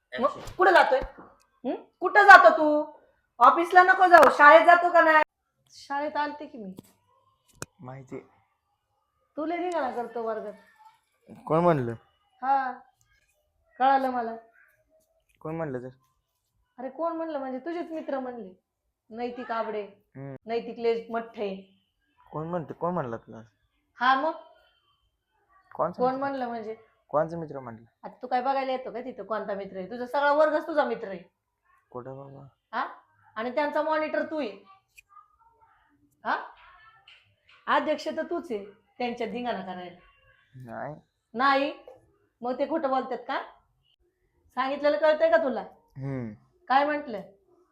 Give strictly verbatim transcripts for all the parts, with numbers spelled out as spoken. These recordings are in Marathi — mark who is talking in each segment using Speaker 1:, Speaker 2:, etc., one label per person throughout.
Speaker 1: मग कुठं जातोय? हं? कुठं जातो तू? ऑफिसला नको जाऊ, शाळेत जातो का नाही? शाळेत आलते की मी.
Speaker 2: माहिती.
Speaker 1: तू लय धिंगाणा करतो वर्गात.
Speaker 2: कोण म्हणलं?
Speaker 1: हा, कळालं मला.
Speaker 2: कोण म्हणलं तर?
Speaker 1: अरे कोण म्हणलं म्हणजे तुझेच मित्र म्हणले. नैतिक आबडे,
Speaker 2: हम्म.
Speaker 1: नैतिक लेज मठ्ठे.
Speaker 2: कोण म्हणते? कोण म्हणलं तुला?
Speaker 1: हा मग
Speaker 2: कोणचा
Speaker 1: कोण
Speaker 2: मित्र?
Speaker 1: म्हणलं म्हणजे?
Speaker 2: कोणचा मित्र म्हणलं?
Speaker 1: आता तू काय बघायला येतो का तिथं कोणता मित्र आहे? तुझा सगळा वर्गच तुझा मित्र आहे.
Speaker 2: कुठं बाबा?
Speaker 1: हा, आणि त्यांचा मॉनिटर तू आहे. हा, अध्यक्ष तर तूच आहे त्यांच्या धिंगाणा करायला.
Speaker 2: नाही.
Speaker 1: नाही मग ते खोटं बोलतात का? सांगितलेलं कळतंय का तुला?
Speaker 2: हम्म.
Speaker 1: काय म्हंटल?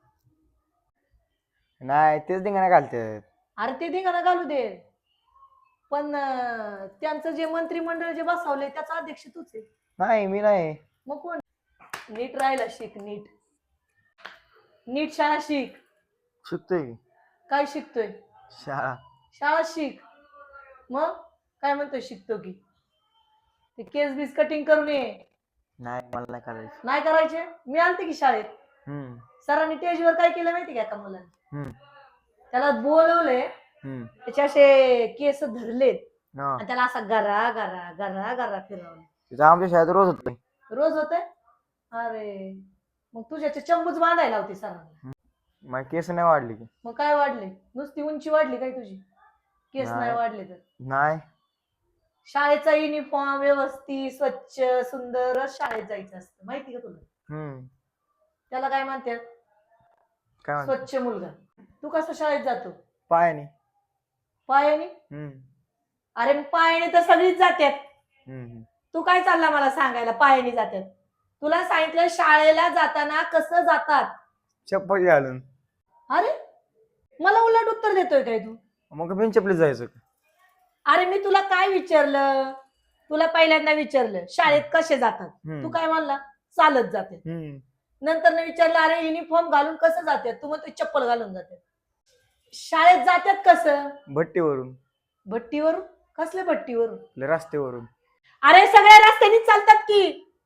Speaker 2: नाही, तेच धिंगाणा घालतात.
Speaker 1: अरे ते धिंगाणा घालू दे, पण अं, त्यांचं जे मंत्रिमंडळ जे बसवलंय त्याचा अध्यक्ष तूच आहे.
Speaker 2: नाही, मी नाही.
Speaker 1: मग कोण? नीट राहायला शिक. नीट नीट शाळा शिक.
Speaker 2: शिकतोय की.
Speaker 1: काय शिकतोय?
Speaker 2: शाळा.
Speaker 1: शाळा शिक. मग काय म्हणतोय शिकतो की? ते केस बीस कटिंग करून ये.
Speaker 2: नाही, मला नाही करायचं.
Speaker 1: नाही करायचे? मी आलते की शाळेत.
Speaker 2: हम्म.
Speaker 1: सरांनी टेजवर काय केलं माहिती का एका मुलाने?
Speaker 2: हम्म.
Speaker 1: त्याला बोलवले,
Speaker 2: हम्म.
Speaker 1: त्याचे असे केस धरलेत
Speaker 2: हा.
Speaker 1: आणि त्याला असा गरा गरा गरा गरा फिरवला.
Speaker 2: तिथं आमच्या शाळेत रोज होतोय.
Speaker 1: रोज होतंय? अरे मग तुझ्याचे चंबूच बांधायला होती सरांना.
Speaker 2: मग केस नाही वाढली की.
Speaker 1: मग काय वाढले? नुसती उंची वाढली काय तुझी? केस नाही
Speaker 2: नाही.
Speaker 1: वाढले तर?
Speaker 2: नाही.
Speaker 1: शाळेचा युनिफॉर्म व्यवस्थित स्वच्छ सुंदरच शाळेत जायचं असतं, माहिती का तुला?
Speaker 2: हम्म.
Speaker 1: त्याला काय म्हणतात?
Speaker 2: काय म्हणतो?
Speaker 1: स्वच्छ मुलगा. तू कसं शाळेत जातो?
Speaker 2: पायाने.
Speaker 1: पायाने?
Speaker 2: हम्म.
Speaker 1: अरे मग पायाने तर सगळीच जातात.
Speaker 2: हम्म.
Speaker 1: तू काय चालला मला सांगायला पायाने जातात? तुला सांगितलं शाळेला जाताना कसं जातात.
Speaker 2: चप्पल घालून.
Speaker 1: अरे मला उलट उत्तर देतोय काय तू?
Speaker 2: मग बिन चपलीत जायचं.
Speaker 1: अरे मी तुला काय विचारलं? तुला पहिल्यांदा विचारलं शाळेत कसे जातात,
Speaker 2: हम्म.
Speaker 1: तू काय म्हणला? चालत जाते.
Speaker 2: हम्म.
Speaker 1: नंतर न विचारलं अरे युनिफॉर्म घालून कसं जातात, तू मग चप्पल घालून जाते. शाळेत जातात कसं?
Speaker 2: भट्टीवरून.
Speaker 1: भट्टीवरून? कसल्या भट्टीवरून?
Speaker 2: आपल्या रस्त्यावरून.
Speaker 1: अरे सगळ्या रस्त्यानी चालतात की.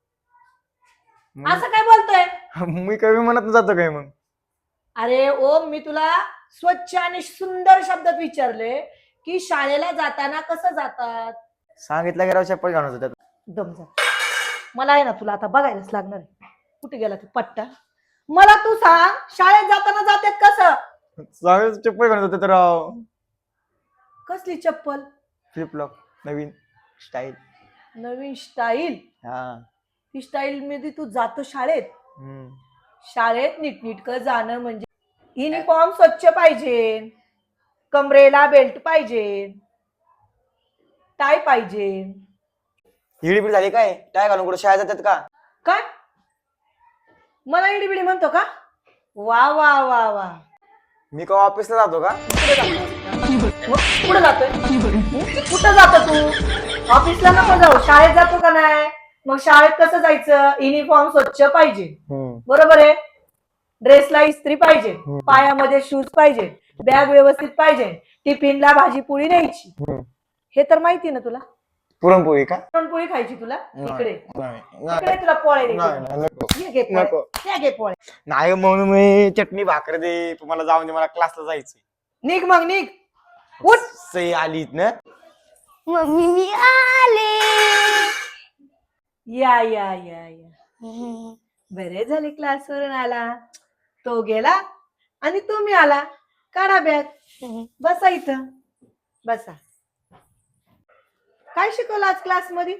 Speaker 1: असं काय बोलतोय?
Speaker 2: मी कमी म्हणत जातो काय मग?
Speaker 1: अरे ओम, मी तुला स्वच्छ आणि सुंदर शब्दात विचारले की शाळेला जाताना कसं जातात.
Speaker 2: सांगितलं की राव चप्पल घालून जातात.
Speaker 1: दम जा. मला आहे ना तुला आता बघायलाच लागणार आहे. कुठे गेला तू पट्टा? मला तू सांग शाळेत जाताना जातात कसं?
Speaker 2: चांगलं चप्पल घालून जातात राव.
Speaker 1: कसली चप्पल?
Speaker 2: फ्लिपफ्लॉप. नवीन स्टाईल.
Speaker 1: नवीन स्टाईल?
Speaker 2: हा.
Speaker 1: ती स्टाईल मध्ये तू जातो शाळेत?
Speaker 2: हम्म.
Speaker 1: शाळेत नीटनीटकं जाणं म्हणजे युनिफॉर्म स्वच्छ पाहिजे, कमरेला बेल्ट पाहिजे, टाय पाहिजे.
Speaker 2: हिडीपिडी झाली काय? टाय घालून कुठे शाळेत जातात का?
Speaker 1: काय मला इडीबिडी म्हणतो का? वा वा वा वा.
Speaker 2: मी का ऑफिसला जातो का?
Speaker 1: कुठं जातोय? कुठं जातो तू? ऑफिसला नको जाऊ, शाळेत जातो का नाही? मग शाळेत कसं जायचं? युनिफॉर्म स्वच्छ पाहिजे, बरोबर आहे. ड्रेसला इस्त्री पाहिजे, पायामध्ये शूज पाहिजे, बॅग व्यवस्थित पाहिजे, टिफिनला भाजी पोळी न्यायची. हे तर माहिती ना तुला?
Speaker 2: पुरणपोळी का?
Speaker 1: पुरणपोळी खायची तुला? इकडे
Speaker 2: नाही
Speaker 1: इकडे तुला पोळ्या देते.
Speaker 2: नाही म्हणून मी चटणी भाकर दे, तुम्हाला जाऊन दे, मला क्लासला जायचंय.
Speaker 1: निघ मग निघ. उठ.
Speaker 2: सई आलीत ना?
Speaker 3: मम्मी मी आले.
Speaker 1: या या या या. बरे झाले क्लासवरून आला. तो गेला आणि तुम्ही आला. काढा बॅग, बसा इथं बसा. काय शिकवलं आज क्लास मध्ये?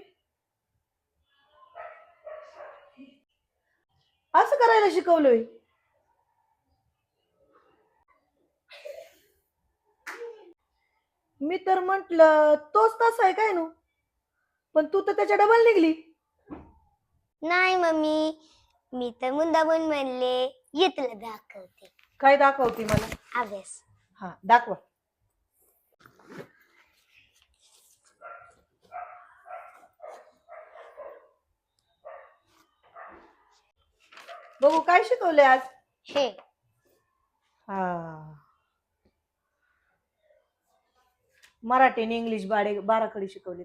Speaker 1: असं करायला शिकवलंय? मी तर म्हंटल तोच तसा आहे काय नु, पण तू तर त्याच्या डबल निघली.
Speaker 3: नाही मम्मी, मी तर मुद्दामून म्हणले ये तुला दाखवते.
Speaker 1: काय दाखवते मला?
Speaker 3: अभ्यास.
Speaker 1: हा दाखवा. बघू काय शिकवले आज?
Speaker 3: हे
Speaker 1: हा, मराठी आणि इंग्लिश बारे बाराखडी शिकवली.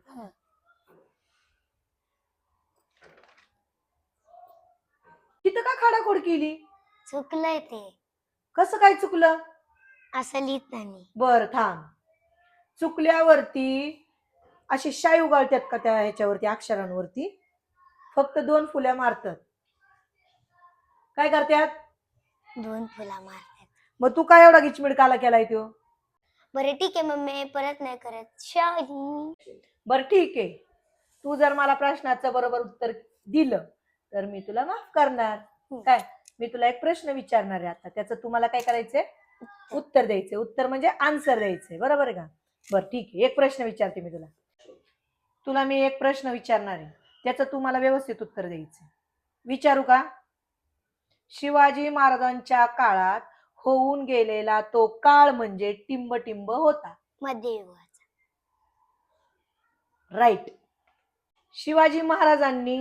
Speaker 1: इथं का खाडाखोड केली?
Speaker 3: चुकलंय ते.
Speaker 1: कसं काय चुकलं?
Speaker 3: असं लिहित नाही.
Speaker 1: बर थांब. चुकल्यावरती अशी शाई उगाळतात का त्या ह्याच्यावरती अक्षरांवरती? फक्त दोन फुल्या मारतात. काय करतात?
Speaker 3: दोन फुला मारतात.
Speaker 1: मग तू काय एवढा गिचमिडकाला केलाय तो?
Speaker 3: बरं ठीक आहे मम्मी, परत नाही करत. सॉरी.
Speaker 1: बर ठीक आहे. तू जर मला प्रश्नाचं बरोबर उत्तर दिलं तर मी तुला माफ करणार.
Speaker 3: हम्म.
Speaker 1: काय? मी तुला एक प्रश्न विचारणार आहे आता, त्याचं तुम्हाला काय करायचंय? उत्तर द्यायचंय. उत्तर म्हणजे आन्सर द्यायचंय, बरोबर आहे का? बर ठीक आहे. एक प्रश्न विचारते मी तुला. तुला मी एक प्रश्न विचारणार आहे, त्याचं तू मला व्यवस्थित उत्तर द्यायचं. विचारू का? शिवाजी महाराजांच्या काळात होऊन गेलेला तो काळ म्हणजे टिंबटिंब होता.
Speaker 3: मध्ययुगाचा.
Speaker 1: राईट. शिवाजी महाराजांनी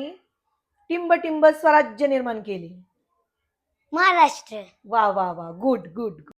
Speaker 1: टिंबटिंब स्वराज्य निर्माण केले.
Speaker 3: महाराष्ट्र.
Speaker 1: वा वा वा, गुड गुड.